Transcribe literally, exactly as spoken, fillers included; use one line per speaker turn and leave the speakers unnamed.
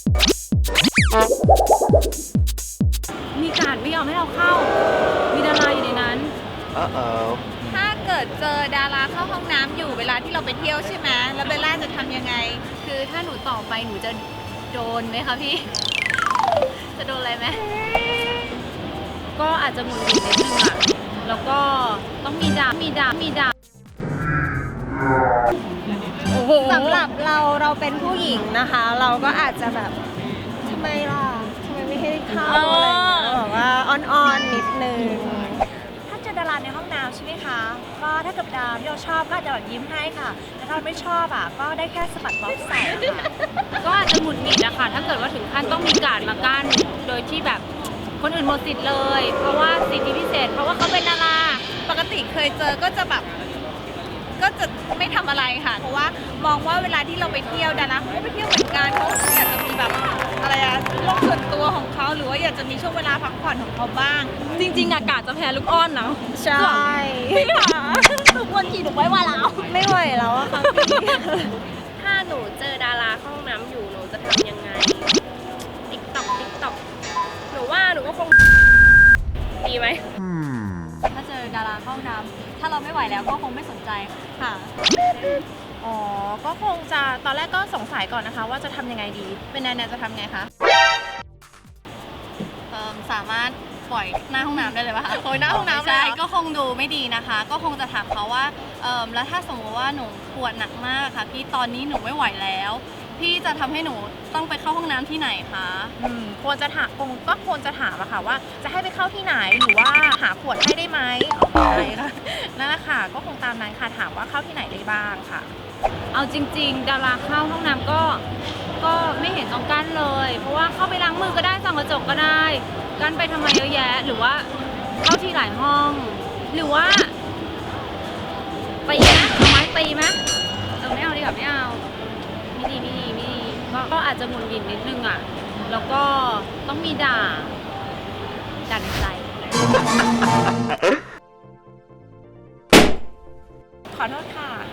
มีการไม่ยอมให้เราเข้ามีดาราอยู่ในนั้น
Uh-oh.
ถ้าเกิดเจอดาราเข้าห้องน้ำอยู่เวลาที่เราไปเที่ยวใช่ไหมแล้วเบลล่าจะทำยังไง
คือถ้าหนูต่อไปหนูจะโดนไหมคะพี่ จะโดนอะไรไหมก็อาจจะหงุดหงิดนิดนึงอะแล้วก็ต้องมีดามีดามีดา
สำหรับเราเราเป็นผู้หญิงนะคะ เราก็อาจจะแบบทำไมล่ะทำไมไม่ให้เข้าอะไรอย่างเงี้ยแบบว่าอ่อนๆนิดนึงถ้าเจอดาราในห้องน้ำใช่ไหมคะก็ถ้าเกิดดาที่เราชอบก็อาจจะแบบยิ้มให้ค่ะแต่ถ้าเราไม่ชอบอ่ะก็ได้แค่สะบัดบ๊อบใส่ค่ะ
ก็อาจจะหงุดหงิดนะคะถ้าเกิดว่าถึงขั้นต้องมีการดมากั้นโดยที่แบบคนอื่นหมดสิทธิ์เลย เพราะว่าสิทธิพิเศษเพราะว่าเขาเป็นดารา
ปกติเคยเจอก็จะแบบก็จะไม่ทำอะไรค่ะ เพราะว่ามองว่าเวลาที่เราไปเที่ยวดาราเขาก็ไปเที่ยวเหมือนกันเขาอยากจะมีแบบอะไรอะโลกส่วนตัวของเขาหรือว่าอยากจะมีช่วงเวลาพักผ่อนของเขาบ้าง
จริงๆอากาศจะแพ้ลูกอ้อนเนาะ
ใช่พี่หาหนูควรขี่หนูไว้ว่าแล้วไม่ไหวแล้วอะค่ะพี่
ถ้าหนูเจอดาราเข้าห้องน้ำอยู่หนูจะทำยังไง ติ๊กต็อกติ๊กต็อกหนูว่าหนูก็คงดีไหม
ถ้าเจอดาราเข้าห้องน้ำถ้าเราไม่ไหวแล้วก็คงไม่สนใจค่ะ
อ๋อ ก็คงจะตอนแรกก็สงสัยก่อนนะคะ ว่าจะทำยังไงดี เป็นแนนๆจะทำไงคะ
เอิ่มสามารถปล่อยหน้าห้องน้ำได้เลยป่ะคะ
โอ้ยหน้าห้องน้ำเลย
ใช่
เหรอ
ก็คงดูไม่ดีนะคะ ก็คงจะถามเขาว่าเอิ่มแล้วถ้าสมมติว่าหนูปวดหนักมากค่ะพี่ตอนนี้หนูไม่ไหวแล้ว พี่จะทำให้หนูต้องไปเข้าห้องน้ำที่ไหนคะ
อืมควรจะถามคงก็ควรจะถามอะค่ะว่าจะให้ไปเข้าที่ไหนหรือว่าหาขวดให้ได้ไหมอ๋อไม่ค่ะนั่นแหละค่ะก็คงตามนั้นค่ะถามว่าเข้าที่ไหนได้บ้างค่ะ
เอาจริง ๆ ดาราเข้าห้องน้ำก็ก็ไม่เห็นต้องกั้นเลย เพราะว่าเข้าไปล้างมือก็ได้ส่องกระจกก็ได้กั้นไปทำไมเยอะแยะ หรือว่าเข้าที่หลายห้อง หรือว่าตีนะเอาไม้ตีไหมเออไม่เอาดีกว่าไม่เอาไม่ดีไม่ดีไม่ดีก็ก็อาจจะหงุดหงิดนิดนึงอ่ะแล้วก็ต้องมีด่าด่าในใจ
ขอโทษค่ะ